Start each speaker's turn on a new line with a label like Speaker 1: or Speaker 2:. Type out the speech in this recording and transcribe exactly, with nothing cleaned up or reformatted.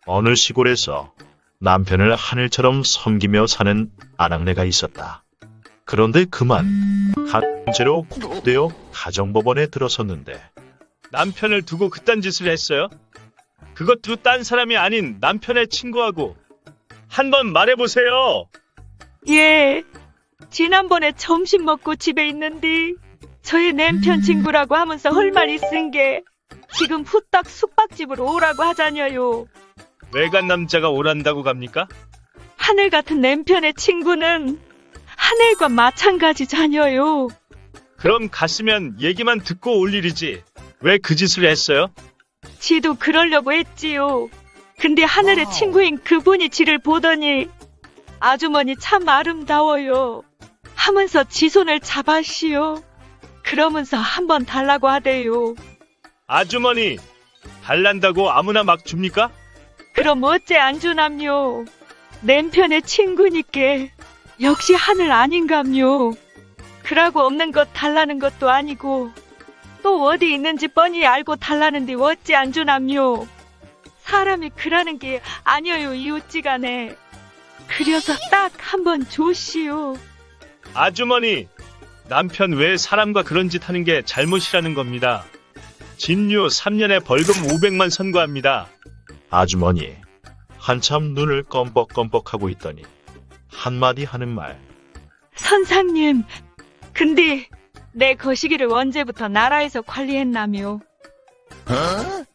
Speaker 1: 어느 시골에서 남편을 하늘처럼 섬기며 사는 아낙네가 있었다. 그런데 그만 한죄로 구속되어 가정법원에 들어섰는데
Speaker 2: 남편을 두고 그딴 짓을 했어요? 그것도 딴 사람이 아닌 남편의 친구하고. 한번 말해보세요.
Speaker 3: 예, 지난번에 점심 먹고 집에 있는데 저의 남편 친구라고 하면서 헐말 있은 게 지금 후딱 숙박집으로 오라고 하자녀요.
Speaker 2: 외간 남자가 오란다고 갑니까?
Speaker 3: 하늘 같은 남편의 친구는 하늘과 마찬가지자녀요.
Speaker 2: 그럼 갔으면 얘기만 듣고 올 일이지. 왜 그 짓을 했어요?
Speaker 3: 지도 그러려고 했지요. 근데 하늘의 친구인 그분이 지를 보더니 아주머니 참 아름다워요 하면서 지 손을 잡아시오. 그러면서 한번 달라고 하대요.
Speaker 2: 아주머니, 달란다고 아무나 막 줍니까?
Speaker 3: 그럼 어째 안 주남요? 남편의 친구니께 역시 하늘 아닌감요. 그러고 없는 것 달라는 것도 아니고 또 어디 있는지 뻔히 알고 달라는데 어찌 안 주남요? 사람이 그러는 게 아니어요 이웃지간에. 그려서 딱 한번 줘시오.
Speaker 2: 아주머니, 남편 왜 사람과 그런 짓 하는 게 잘못이라는 겁니다. 진유 삼 년에 벌금 오백만 선고합니다.
Speaker 1: 아주머니 한참 눈을 껌뻑껌뻑하고 있더니 한마디 하는 말.
Speaker 3: 선상님, 근데 내 거시기를 언제부터 나라에서 관리했나며?